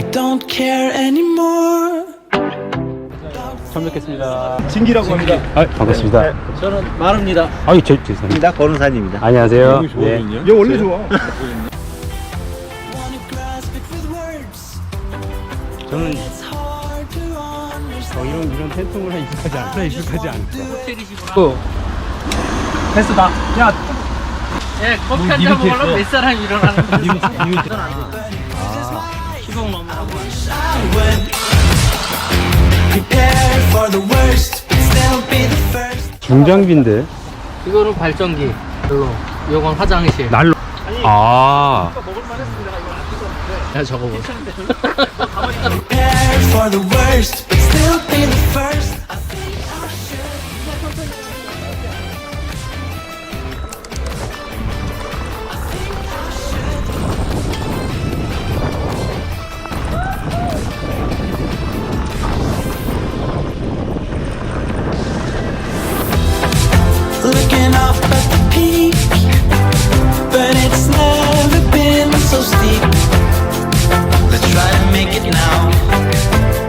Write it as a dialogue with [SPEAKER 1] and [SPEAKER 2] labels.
[SPEAKER 1] don't care anymore.
[SPEAKER 2] 처음 뵙겠습니다.
[SPEAKER 3] 진기라고 합니다.
[SPEAKER 2] 아, 반갑습니다.
[SPEAKER 3] 네.
[SPEAKER 4] 저는 마루입니다.
[SPEAKER 2] 아유, 죄송합니다.
[SPEAKER 4] 권은산입니다.
[SPEAKER 2] 안녕하세요. 네.
[SPEAKER 3] 얘 원래 좋아.
[SPEAKER 1] Wanna grasp it with words.
[SPEAKER 2] 저는
[SPEAKER 1] It's hard to understand.
[SPEAKER 2] 이런 팬통을 익숙하지 않아. 익숙하지 않죠.
[SPEAKER 4] 패스다. 야,
[SPEAKER 5] 예, 커피 한잔 먹으려면 몇 사람이 일어나는 거지? 시동 넘으라고.
[SPEAKER 1] Prepare for the worst, but still be the first.
[SPEAKER 2] 중장비인데.
[SPEAKER 5] 이거는 발전기, 별로. 이건 화장실.
[SPEAKER 2] 난로. 아.
[SPEAKER 5] 야, 저거 뭐.
[SPEAKER 1] Prepare for the worst, but still be the first. I think I should. Looking up at the peak, but it's never been so steep. Let's try to make it now.